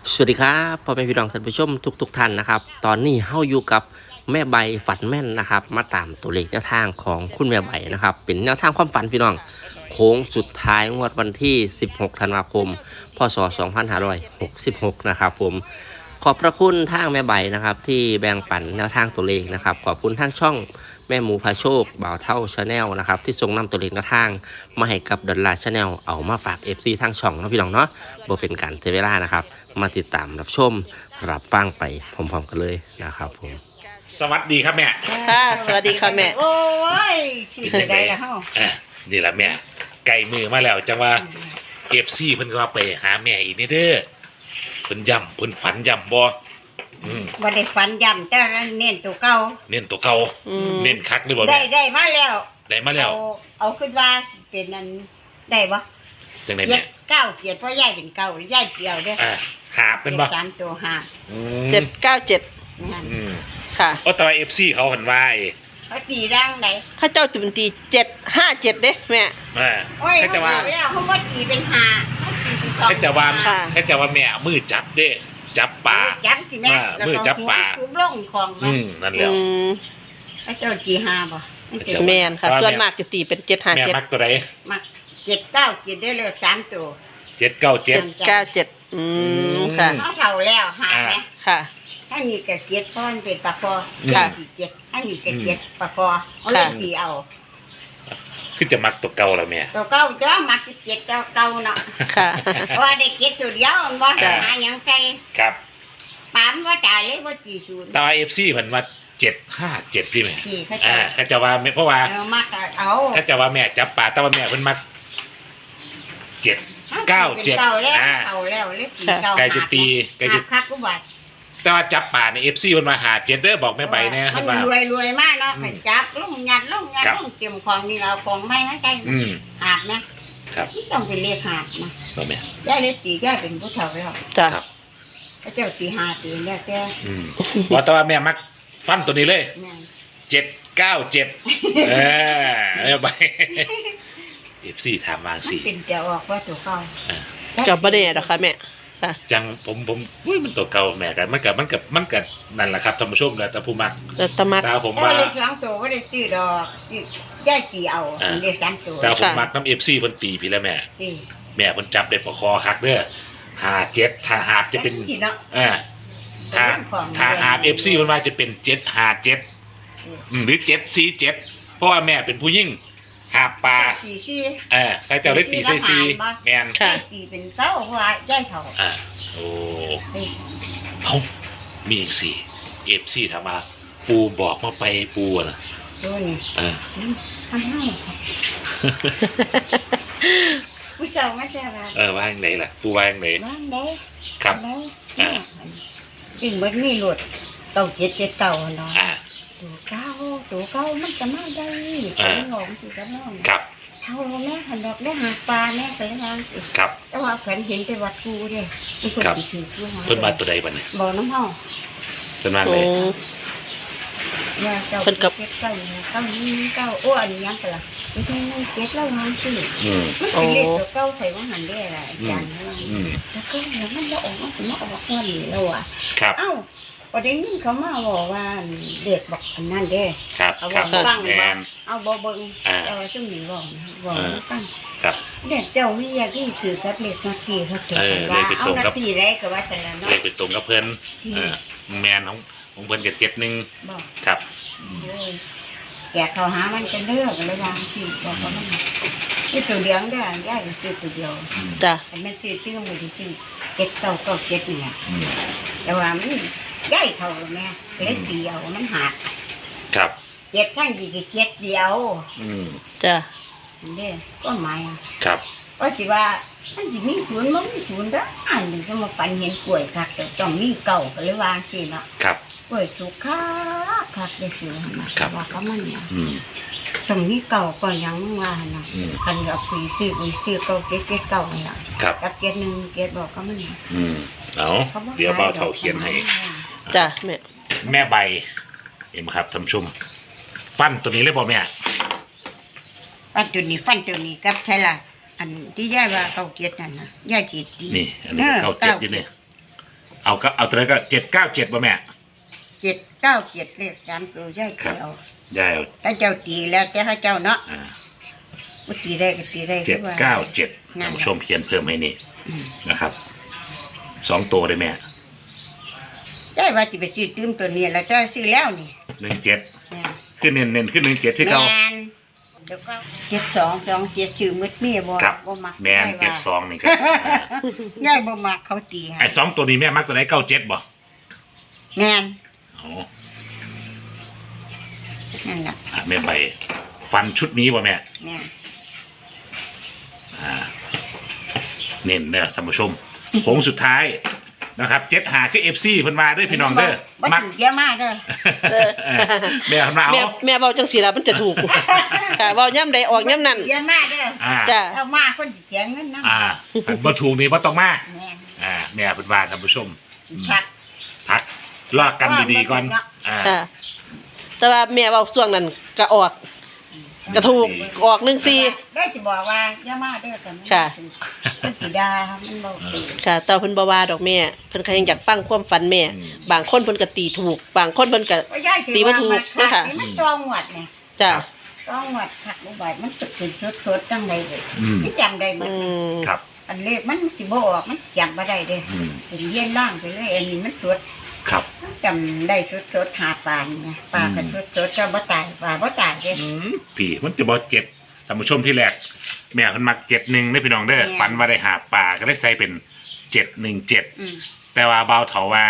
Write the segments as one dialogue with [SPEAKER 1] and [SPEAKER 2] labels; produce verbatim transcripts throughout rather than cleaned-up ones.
[SPEAKER 1] สวัสดีครับพ่อแม่พี่น้องท่านผู้ชมทุกๆทท่านนะครับตอนนี้เฮาอยู่กับแม่ใบฝันแม่นนะครับมาตามตัวเลขแนวทางของคุณแม่ใบนะครับเป็นแนวทางความฝันพี่น้องโค้งสุดท้ายงวดวันที่สิบหกธันวาคมพศสองพันห้าร้อยหกสิบหกนะครับผมขอบพระคุณทางแม่ใบนะครับที่แบ่งปันแนวทางตัวเลขนะครับขอบคุณทางช่องแม่หมูพาโชคบ่าวเท่าชาแนลนะครับที่ส่งนำตัวเลขแนวทางมาให้กับดอลลาร์ชาแนลเอามาฝาก เอฟ ซี ทางช่องนะพี่น้องเนาะบ่เป็นการเสียเวลานะครับมาติดตามรับชมรับฟังไปพร้อมๆกันเลยนะครับผม
[SPEAKER 2] สวัสดีครับแม่
[SPEAKER 3] ค่ะสวัสดีค่ะแม่
[SPEAKER 4] โอ้ยชีวิตได้แล้วเฮา
[SPEAKER 2] อ่ะนี่แหละแม่ไก่มือมาแล้วจังว่าเอฟซีเพิ่นก็ว่าไปหาแม่อีกนี่เด้อเพิ่นย่ำเพิ่นฝันย่ำบ่อืม
[SPEAKER 4] บ่ได้ฝันย้ำแต่เน้นตัวเก่า
[SPEAKER 2] เน้นตัวเก่า
[SPEAKER 3] อืม
[SPEAKER 2] เน้นคักเลยบ่
[SPEAKER 4] ได้
[SPEAKER 2] แม่
[SPEAKER 4] ได้มาแล้ว
[SPEAKER 2] ได้มาแล้ว
[SPEAKER 4] เอาเอาขึ้นว่าเป็นอันได้บ่
[SPEAKER 2] จังได๋
[SPEAKER 4] เจ็
[SPEAKER 2] แม่
[SPEAKER 4] ดเก้าเกียรติเพราะยายเป็นเก่าหรือยายเกี่ยวเด้อ
[SPEAKER 2] อ่ะหาบเป็นบ่
[SPEAKER 4] สามตัวห้า
[SPEAKER 2] อืม
[SPEAKER 3] เจ็ดเก้าเจ็ด
[SPEAKER 4] นั่น
[SPEAKER 2] อืม
[SPEAKER 3] ค่ะ
[SPEAKER 2] โอ้แต่ว่า เอฟ ซี เขาเห็นว่าไอ้
[SPEAKER 4] เขาตีร่างไหน
[SPEAKER 3] ข้าเจ้าจุนตีเจ็ดห้าเจ็ดเด้แม่
[SPEAKER 2] อ่า
[SPEAKER 4] โอ้ย
[SPEAKER 2] แค่จะว่า
[SPEAKER 4] เขตีแล้วเขาว่าตีเป็นห้าเขาตีเป็นสอง
[SPEAKER 2] แค่จะว่า
[SPEAKER 3] ค่ะ
[SPEAKER 2] แค่จะว่าแม่เอามือจับเด้จับปลา
[SPEAKER 4] จับสิแม่
[SPEAKER 2] อ่า
[SPEAKER 4] แล้ว
[SPEAKER 2] มือ
[SPEAKER 4] ก็
[SPEAKER 2] จับปลา
[SPEAKER 4] หัวสูงลงของมั
[SPEAKER 2] อื
[SPEAKER 4] น
[SPEAKER 2] มนั่นแห
[SPEAKER 3] อื
[SPEAKER 2] ละ
[SPEAKER 3] ม
[SPEAKER 4] เขาเจ้าตีห้าบ่มันจะ
[SPEAKER 3] แมนค่ะ ส่วนมากจะตีเป็นเจ็ดห้า
[SPEAKER 2] แม่
[SPEAKER 3] เจ็ด
[SPEAKER 2] มักตัวใด
[SPEAKER 4] มักเจ็ดเก้าเกียรติได้เลยสามตัว
[SPEAKER 2] เจ็ดเก้าเจ็
[SPEAKER 3] เจ็
[SPEAKER 2] ด
[SPEAKER 3] ดเก้าเจ็ดอืมค่ะ
[SPEAKER 4] เขาเท่าแล้วหาไหม
[SPEAKER 3] ค่ะ
[SPEAKER 4] ถ้ามีกระเกียดเพราะมันเป็นปลาคอ
[SPEAKER 3] ค่ะ
[SPEAKER 4] ยายตีเกียดถ้ามีกระเกียดปลาคอเอาเล่นตีเอา
[SPEAKER 2] คือจะมักตัวเก่าแล้วแม่
[SPEAKER 4] ตัวเก่าจ้ามักจะเกียดเก่าเก่าเนาะ
[SPEAKER 3] ค่ะ
[SPEAKER 4] เพราะว่าได้เกียดตัวเดียวมันบ่
[SPEAKER 2] อ่า
[SPEAKER 4] หาหยังใส่
[SPEAKER 2] ครับ
[SPEAKER 4] ปามว่าจ่ายเลยว่าตีศูนย์
[SPEAKER 2] ตาเอฟซีเพิ่นว่าเจ็ดห้าเจ็ดที่แม่
[SPEAKER 4] ตีเขา
[SPEAKER 2] อ่า
[SPEAKER 4] จะ
[SPEAKER 2] เขาจะว่าแม่เพราะว่า
[SPEAKER 4] เอามากเอา
[SPEAKER 2] เขาจะว่าแม่จับปลาแต่ว่าแม่เพิ่นมักเจ็ด เก้าเจ็ด
[SPEAKER 4] เก่าแล้ว
[SPEAKER 2] อ่า
[SPEAKER 4] เก่าแล้วเลยตีเก่า
[SPEAKER 2] ไก่จะตีไก่
[SPEAKER 4] ไก่
[SPEAKER 2] จะ
[SPEAKER 4] จะคักกูบาด
[SPEAKER 2] แต่ว่าจับปลาในเอฟซีเพิ่นมาหาเจ็ดเด้อบอกแม่ใบแน่
[SPEAKER 4] มั
[SPEAKER 2] เพิ่
[SPEAKER 4] น
[SPEAKER 2] นว่าร
[SPEAKER 4] วยรวยมากเนาะ
[SPEAKER 2] อืม
[SPEAKER 4] ไปจับลงยัดลงยัด
[SPEAKER 2] ครับ
[SPEAKER 4] ลงเก็บของนี่เราของไม่ให้ใส่
[SPEAKER 2] อืม
[SPEAKER 4] หาบนะครับ ต้องเป็นเลขหาบนะ
[SPEAKER 2] บ่แม่
[SPEAKER 4] ยายเลยตียายเป็นผู้เฒ่าแล้ว
[SPEAKER 3] จ้ะ
[SPEAKER 2] ครับ
[SPEAKER 4] พระเจ้าตีหาตีแล้วแก
[SPEAKER 2] อืมว่าแต่ว่าแม่มักฟันตัวนี้เลย
[SPEAKER 4] แม่น
[SPEAKER 2] เจ็ดเก้าเจ็ดเออแม่ใบเอฟซีถามวาง
[SPEAKER 4] มัน
[SPEAKER 2] สิ
[SPEAKER 4] เป็นจะออกว่าตัวเก่า
[SPEAKER 2] อ่า
[SPEAKER 3] กับประเด็นหรอคะแม่ค่ะ
[SPEAKER 2] จังผมผมอุ้ยมันตัวเก่าแม่กันมันกับมันกับมันกับนั่นแหละครับท่านผู้ชมแล้วแต่ผู้มัก
[SPEAKER 3] แต่ตะมัก
[SPEAKER 2] ตาผม
[SPEAKER 4] แต่
[SPEAKER 2] ว่า
[SPEAKER 4] ว่าเลขสองตัวก็ได้ซื้อดอกซื้อย่ายตีเอา
[SPEAKER 2] อ่า
[SPEAKER 4] เลขสามตัว
[SPEAKER 2] ตาผม
[SPEAKER 3] ค่ะ
[SPEAKER 2] มักน้ำเอฟซีเพิ่นตีพี่แล้วแม่
[SPEAKER 4] ตี
[SPEAKER 2] แม่เพิ่นจับได้ประคอคักเด้อหาเจ็ดถ้าหาบจะเป็น
[SPEAKER 4] จีเนาะ
[SPEAKER 2] อ่าถ้า
[SPEAKER 4] เป็นเรื่องของ
[SPEAKER 2] ถ้าหาเอฟซีเพิ่นว่าจะเป็นเจ็ดหาเจ็ดอืมหรือเจ็ดสี่เจ็ดเพราะว่าแม่เป็นผู้ยิ่งหาบปลา
[SPEAKER 4] ตีซี่
[SPEAKER 2] เออใครจะได้ตีซีซีแม่น
[SPEAKER 3] ค่ะ
[SPEAKER 4] ย่ายตีเป็นเก้าเพราะว่าย่ายเฒ่า
[SPEAKER 2] อ่าโอ้
[SPEAKER 4] ตี
[SPEAKER 2] เอ้ามีอีกสี่เอฟซีถามมาปูบอกมาไปปูอะนะ
[SPEAKER 4] ตัวนี้
[SPEAKER 2] เออ
[SPEAKER 4] ทำให้ผู้ชายไม่ใช่ว่า
[SPEAKER 2] เออว่าอย่างไรล่ะปูว่าอย่างไร
[SPEAKER 4] บ้านได้
[SPEAKER 2] ครับ
[SPEAKER 4] แล้ว
[SPEAKER 2] อ่า
[SPEAKER 4] จริงมันมีหลุดเก่าเจ็ดเจ็ดเก่าเนาะ
[SPEAKER 2] อ่า
[SPEAKER 4] ตัวเก้าตัวเก้ามันจะมาได้
[SPEAKER 2] อ่า
[SPEAKER 4] ตัวหลงสิจะน้อง
[SPEAKER 2] ครับ
[SPEAKER 4] เท่าแม่หันดอกได้หาปลาแม่ไปแล้ว
[SPEAKER 2] ครับ
[SPEAKER 4] แต่ว่าแขวนเห็นแต่วัดกูเด้มีคน
[SPEAKER 2] ครับ
[SPEAKER 4] สิถือกูหา
[SPEAKER 2] เพิ่นมาตัวใดบ้างเนี่ย
[SPEAKER 4] บ่อน้ำเฮา
[SPEAKER 2] เพิ่นมา
[SPEAKER 3] โอ้
[SPEAKER 2] เลย
[SPEAKER 4] ว่าเจ้า
[SPEAKER 3] เพิ่นกับ
[SPEAKER 4] เจ็ดเก้าเนี่ยเก้านี้เก้าอ้วนยังกันล่ะไม่ใช่ไม่เจ็ดแล้วมันสิ
[SPEAKER 2] อืม
[SPEAKER 4] มันเป็นเลขตัวเก้าใส่ว่าหันได้อะไรอาจารย์
[SPEAKER 2] อืม
[SPEAKER 4] แล้วก็แล้วมันบ่ออกมันสิมาออกวันนี้แล้วอ่ะ
[SPEAKER 2] ครับ
[SPEAKER 4] เอ้าประเด็นนี้เขามาบอกว่าเด็กบอกอันนั้นเด้
[SPEAKER 2] ครับ
[SPEAKER 4] เอา
[SPEAKER 2] ครับ
[SPEAKER 4] บอกฟัง
[SPEAKER 2] แม
[SPEAKER 4] บ่
[SPEAKER 2] น
[SPEAKER 4] เอาบ่เบิ่ง
[SPEAKER 2] อ่า
[SPEAKER 4] แต่ว่าซุ่มนี่บอกนะบอก
[SPEAKER 2] อ่า
[SPEAKER 4] ให้ฟัง
[SPEAKER 2] ครับ
[SPEAKER 4] เด็กเจ้ามีอยากที่ถือกับเลขนาทีเขาเจอ
[SPEAKER 2] เออ
[SPEAKER 4] กันว่า
[SPEAKER 2] เลขไป
[SPEAKER 4] เอา
[SPEAKER 2] ตรง
[SPEAKER 4] นา
[SPEAKER 2] กับ
[SPEAKER 4] ทีไรก็ว่าซั่นล่ะเนาะ
[SPEAKER 2] เลยไปตรงกับเพิ่น
[SPEAKER 4] อืม
[SPEAKER 2] เออแมนของของเพิ่นกับเจ็ดหนึ่ง
[SPEAKER 4] บอก
[SPEAKER 2] ครับ
[SPEAKER 4] เอ้ยแกเขาหามันกันเด้อกันเลยวางสิบอกว่ามันนี่ตัวเดียวเด้อยายก็ซื้อตัวเดียว
[SPEAKER 2] อืม
[SPEAKER 3] จ้ะ
[SPEAKER 4] อันนั้นซื้อตื้อมือที่ซื้อเจ็ดเก้าเก้าเจ็ดนี่แหละ
[SPEAKER 2] อืม
[SPEAKER 4] แต่ว่ามันย่ายเท่าแม่เล็กเดียวมันหัก
[SPEAKER 2] ครับ
[SPEAKER 4] เจ็ดข้างดีก็เจ็ดเดียว
[SPEAKER 2] อืม
[SPEAKER 3] จ้ะ
[SPEAKER 4] นี่ก็หมายอะ
[SPEAKER 2] ครับ
[SPEAKER 4] ก็สิว่ามันสิมีศูนย์มันมีศูนย์เด้ออันนี้ก็มาปันเห็นกล้วยคักแต่ต้องมีเก่าก็เลยวางสิเนาะ
[SPEAKER 2] ครับ
[SPEAKER 4] กล้วยสุกคักคักได้สินะครับ ว่าก็มันเนี่ย
[SPEAKER 2] อืม
[SPEAKER 4] ต้องมีเก่าก็ยังว่านะ
[SPEAKER 2] อืม
[SPEAKER 4] อันเอาคุยซื้อคุยซื้อเก่าเจ็ดเจ็ดเก่าน่ะ
[SPEAKER 2] ครับ
[SPEAKER 4] กับเจ็ดหนึ่งเจ็ดบอกก็มันเนี่ย
[SPEAKER 2] อืมเอาเดี๋ยวเบาเท่าเขียนให้
[SPEAKER 3] จ้ะแม่
[SPEAKER 2] แม่ใบเห็นไหมครับท่านผู้ชมฟันตัวนี้เลยบ่แม่
[SPEAKER 4] ฟันตัวนี้ฟันตัวนี้กับใช่ละอันที่ย่าว่าเก่าเจ็ดนั่นนะย่าจีตี
[SPEAKER 2] นี่ อันนี้ก็เข้าเจ็ดอยู่เนี่ยเอาก็เอาตัวนั้นก็เจ็ดเก้าเจ็ดป่ะแม่
[SPEAKER 4] เจ็ดเก้าเจ็ดเลขสามตัวย่าย
[SPEAKER 2] ครับ
[SPEAKER 4] เจ้า
[SPEAKER 2] ได้เอา
[SPEAKER 4] ถ้าเจ้าตีแล้วแต่ถ้าเจ้าเนาะ
[SPEAKER 2] อ่า
[SPEAKER 4] บ่ตีได้ก็ตีได้
[SPEAKER 2] เจ็ด
[SPEAKER 4] คือว่า
[SPEAKER 2] เก้าเจ็ด
[SPEAKER 4] นั่
[SPEAKER 2] ท่าน
[SPEAKER 4] น
[SPEAKER 2] ผู้ชมเขียนเพิ่มให้นี่
[SPEAKER 4] อืม
[SPEAKER 2] นะครับสองตัวได้แม่
[SPEAKER 4] ได้ว่าสิไปซื้อตื้มตัวนี้แล้วเจ้าซื้อแล้วนี่
[SPEAKER 2] หนึ่งเจ็ด
[SPEAKER 4] แม่น
[SPEAKER 2] ขึ้นเน้นเน้นขึ้นหนึ่งเจ็ดที่เก่า
[SPEAKER 4] แม่นเดี๋ยวก็เจ็ดสองสองเจ็ดชื่อมืดเมียบ่
[SPEAKER 2] ครับ
[SPEAKER 4] บ่มัก
[SPEAKER 2] แม่น
[SPEAKER 4] ได้
[SPEAKER 2] เจ็ด
[SPEAKER 4] ว่า
[SPEAKER 2] สองนี่ครับอ่า
[SPEAKER 4] ย่ายบ่มักเขาตีให้
[SPEAKER 2] ไอ้สองตัวนี้แม่มักตัวไหนเก้าเจ็ดบ่
[SPEAKER 4] แม่น
[SPEAKER 2] อ๋อ
[SPEAKER 4] นั่นน่ะ
[SPEAKER 2] อ่ะแม่ไปฟันชุดนี้บ่แม่
[SPEAKER 4] แม่น
[SPEAKER 2] อ่าเน้นเด้อท่านผู้ชมโค้งสุดท้ายนะครับเจ็ดหาคือเอฟซีเพิ่นมาเด้อพี่น้องเด้อ
[SPEAKER 4] บ่
[SPEAKER 2] มัก
[SPEAKER 4] ถูกเยอะมากเด้อ
[SPEAKER 2] เออแม่เพิ่นมาเอา
[SPEAKER 3] แม่แม่เว้าจังซี่ล่ะมันจะถูก ค่ะเว้าย่ำใดออกย่ำนั้น
[SPEAKER 4] เยอะมากเด้อ
[SPEAKER 2] อ่า
[SPEAKER 3] จ้ะ
[SPEAKER 4] เอามาคนสิเสียเงินนำ
[SPEAKER 2] อ่าอันบ่ถูกนี่บ่ต้องมา
[SPEAKER 4] แม่น
[SPEAKER 2] อ่าแม่เพิ่นว่าท่านผู้ชม
[SPEAKER 4] พัก
[SPEAKER 2] พักรอกันดีๆก่อนอ่า
[SPEAKER 3] ค่ะแต่ว่าแม่เว้าช่วงนั้นก็ออกก็ถูกออกหนึ่งสี่
[SPEAKER 4] ได้สิบอกว่าเยอะมากเด้อกัน
[SPEAKER 3] ค่ะ
[SPEAKER 4] มันสิดามันบ่ถูก
[SPEAKER 3] ค่ะแต่เพิ่นบ่ว่าดอกแม่เพิ่นก็ยังอยากฟังความฝันแม่ บางคนเพิ่นก็ตีถูก บางคนเพิ่นก็
[SPEAKER 4] ว่าย่ายสิ
[SPEAKER 3] ตีบ่ถูก
[SPEAKER 4] ว่า
[SPEAKER 3] นะคะ
[SPEAKER 4] นี่มันตองหวดเนี่ย
[SPEAKER 3] จ้ะ
[SPEAKER 4] ตองหวดคักบ่บาดมันตึกเป็นสดๆจังได๋เด้อ
[SPEAKER 2] อืม
[SPEAKER 4] มันจำได้หมด
[SPEAKER 3] อืม
[SPEAKER 2] ครับ
[SPEAKER 4] อันเลขมันสิบ่ออกมันจำบ่ได้เด้อ
[SPEAKER 2] อืม
[SPEAKER 4] เป็นเยี่ยนล่างไปเลยอันนี้มันสด
[SPEAKER 2] ครับ
[SPEAKER 4] จำได้สดๆหาปลานี่ไงปลาก็สดๆเจ้าบ่ตายปลาบ่ตายเด้อ
[SPEAKER 2] อืมพี่มันจะบ่เจ็ดท่านผู้ชมที่แรกแม่เพิ่นมักเจ็ดหนึ่งได้อพี่น้องเด้อ
[SPEAKER 4] แม่
[SPEAKER 2] ฝันว่าได้หาปลาก็ได้ใส่เป็นเจ็ดหนึ่งเจ็ด
[SPEAKER 4] อืม
[SPEAKER 2] แต่ว่าเบาเถาว่า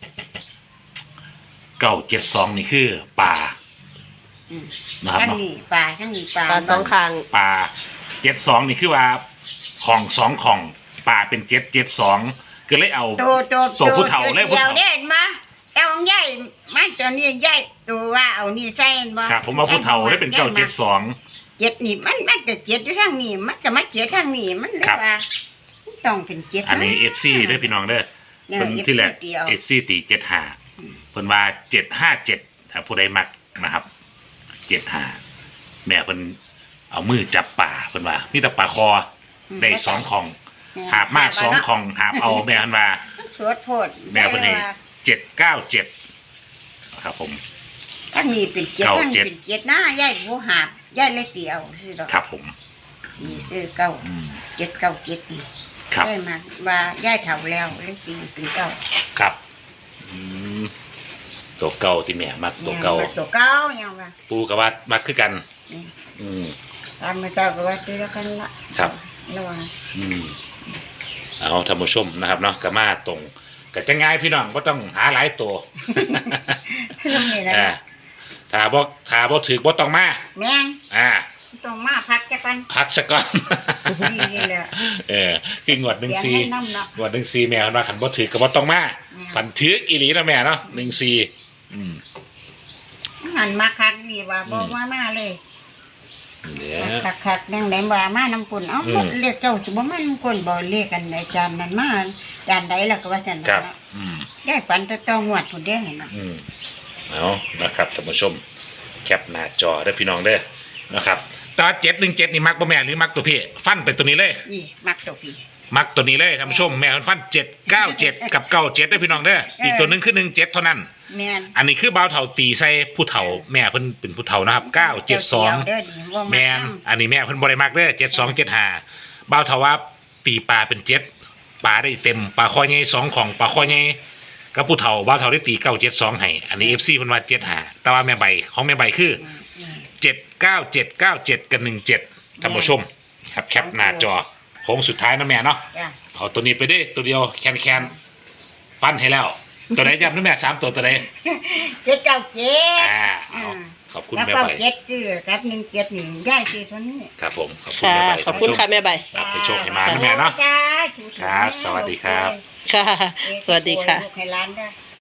[SPEAKER 2] เก้าเจ็ดสองนี่คือปลา
[SPEAKER 4] อืม
[SPEAKER 2] นะครับ
[SPEAKER 4] ทั้ง
[SPEAKER 2] เนาะ
[SPEAKER 4] นี้ปลาทั้งนี้ปลา
[SPEAKER 3] ปลาสองข้าง
[SPEAKER 2] ปลาเจ็ดสองนี่คือว่าของสองของปลาเป็นเจ็ดเจ็ดสองก็เลยเอา
[SPEAKER 4] โตโต
[SPEAKER 2] ตัวผู้เฒ่าเลยผู้
[SPEAKER 4] เดียว
[SPEAKER 2] เฒ่า
[SPEAKER 4] เด่นมาแต่ของใหญ่มาตัวนี้ใหญ่ตัวว่าเอานี่ใส่บ่
[SPEAKER 2] ครับผมว่าผู้เฒ่าได้เป็นเก้าเจ็ดสอง
[SPEAKER 4] เจ็ดนี่มันมันก็เจ็ดอยู่ทางนี้มันก็มาเจ็ดทางนี้มันเลย
[SPEAKER 2] ครับ
[SPEAKER 4] ว่าต้องเป็นเจ็ด
[SPEAKER 2] อันนี้เอฟซีได้อพี่น้องเด้อ
[SPEAKER 4] เนี่ย
[SPEAKER 2] เพิ่นที่แรก
[SPEAKER 4] เดียว
[SPEAKER 2] เอฟซีตีเจ็ดห้าเพิ่นว่าเจ็ดห้าเจ็ดถ้าผู้ใดมักนะครับเจ็ดห้าแม่เพิ่นเอามือจับป่าเพิ่นว่ามีแต่ป่าคอได้สองของหาบมาสองของหาบเอาแม่เพิ่นว่า
[SPEAKER 4] มันสวดโพด
[SPEAKER 2] แม่เพิ่นนี่เจ็ดเก้าเจ็ดครับผม
[SPEAKER 4] ทางนี้เป็นเจ็ด
[SPEAKER 2] เก้า
[SPEAKER 4] ทาง
[SPEAKER 2] เจ็
[SPEAKER 4] นี้
[SPEAKER 2] ด
[SPEAKER 4] เป็นเจ็ดหน้าใหญ่บ่หาบใหญ่เล็กเดียวซื่อดอก
[SPEAKER 2] ครับผม
[SPEAKER 4] นี่ซื้อเก้า
[SPEAKER 2] อืม
[SPEAKER 4] เจ็ดเก้าเจ็ดนี่
[SPEAKER 2] ครับ
[SPEAKER 4] ได้มาว่าย่ายเฒ่าแล้วเลยตีเป็นเก้า
[SPEAKER 2] ครับอืมตัวเก่าที่แม่มักตัวเก่า
[SPEAKER 4] นี่ยตัวเก้ายังว่า
[SPEAKER 2] ปูกับว่ามักคือกัน
[SPEAKER 4] นี่
[SPEAKER 2] อืม
[SPEAKER 4] ตามมาเจ้าก็ว่าตีแล้วกันละ
[SPEAKER 2] ครับ
[SPEAKER 4] ระวัง
[SPEAKER 2] อืมเอาท่านผู้ชมนะครับเนาะกมาตรงก็จะง่ายพี่น้องก็ต้องหาหลายตัว
[SPEAKER 4] นี่นะ
[SPEAKER 2] อ่าถ้าบ่ถ้าบ่ถือบ่ต้องมา
[SPEAKER 4] แม่ง
[SPEAKER 2] อ่า
[SPEAKER 4] ต้องมาพักจักกัน
[SPEAKER 2] พักซะก่อน
[SPEAKER 4] นี่แหละ
[SPEAKER 2] เออคืองวดหนึ่ง
[SPEAKER 4] เสี
[SPEAKER 2] ซี
[SPEAKER 4] ยงน้ำเนาะ
[SPEAKER 2] งวดหนึ่งซีแม่เพิ่นว่าคันบ่ถือก็บ่ต้องมา
[SPEAKER 4] อืม
[SPEAKER 2] พันถืออีหลีนะแม่เนาะหนึ่งซีอืม
[SPEAKER 4] หันมาคักดีว่าบ
[SPEAKER 2] อื
[SPEAKER 4] อก
[SPEAKER 2] ม
[SPEAKER 4] ว่ามาเลย
[SPEAKER 2] เนี่ย
[SPEAKER 4] คักคักๆนั่งไหนว่ามาน้ำปุ่นเอ้า
[SPEAKER 2] อืม
[SPEAKER 4] เรียกเจ้าสิบ่มาน้ำปุ่นบ่เรียกกันในจานนั้นมาจานใดล่ะก็ว่าจัน
[SPEAKER 2] ครั
[SPEAKER 4] นั้น
[SPEAKER 2] บ
[SPEAKER 4] เนาะ
[SPEAKER 2] อืม
[SPEAKER 4] ได้ปันแตะต้องงวดพุ่นเด้เห็นเนาะ
[SPEAKER 2] อืมเอานะครับท่านผู้ชมแคปหน้าจอได้อพี่น้องเด้อนะครับตอนเจ็ดหนึ่งเจ็ดนี่มักบ่แม่หรือมักตัวพี่ฟันเป็นตัวนี้เลย
[SPEAKER 4] นี่มักตัวพี่
[SPEAKER 2] มักตัวนี้เลยท่านผู้ชมแม่เพิ่นฟันเจ็ดเก้าเจ็ดกับเก้าเจ็ดได้อพี่น้องเด้ออีกตัวหนึงคือหนึ่งเจ็ดเท่านั้น
[SPEAKER 4] แม่น
[SPEAKER 2] อันนี้คือบ่าวเฒ่าตีใส่ผู้เฒ่าแม่เพิ่นเป็นผู้เฒ่านะครับเก้าเจ็ดสอง
[SPEAKER 4] เด้อดีบ่
[SPEAKER 2] แมนอันนี้แม่เพิ่นบ่ได้มักเด้อเจ็ดสองเจ็ดห้าบ่าวเฒ่าว่าตีปลาเป็นเจ็ดปลาได้เต็มปลาคอใหญ่สองของปลาคอใหญ่กับผู้เฒ่าบ่าวเฒ่าได้ตีเก้าเจ็ดสองให้อันนี้ เอฟ ซี เพิ่นว่าเจ็ดห้าแต่ว่าแม่ใบของแม่ใบคือเจ็ดเก้าเจ็ดเก้าเจ็ดกับหนึ่งเจ็ดท่านผู้ชมครับแคปหน้าจอโค้งสุดท้ายนะแม่เนาะ
[SPEAKER 4] จ้ะ
[SPEAKER 2] เอาตัวนี้ไปเด้อตัวเดียวแคนแคนฟันให้แล้ว ตัวไหนย้ำนะแม่สามตัวตัวไหน
[SPEAKER 4] เจ็ดเก้าเจ็ด
[SPEAKER 2] อ่าเอาขอบคุณ
[SPEAKER 4] แล้ว
[SPEAKER 2] แม่
[SPEAKER 4] ก็
[SPEAKER 2] ใบ
[SPEAKER 4] เจ็ดซื้อกับหนึ่งเจ็ดนี่ย่ายซื้อเท่านี้
[SPEAKER 2] ครับผมขอบคุณ
[SPEAKER 3] ค่ะ
[SPEAKER 2] แม่ใบ
[SPEAKER 3] ขอบคุณค่ะแม่ใบ
[SPEAKER 2] ครับให้โชคให้มานะแม่เนาะ
[SPEAKER 4] จ้า
[SPEAKER 2] ครับสวัสดีครับ
[SPEAKER 3] ค่ะ สวัสดีค่ะ
[SPEAKER 4] ลูกให้ร้านได้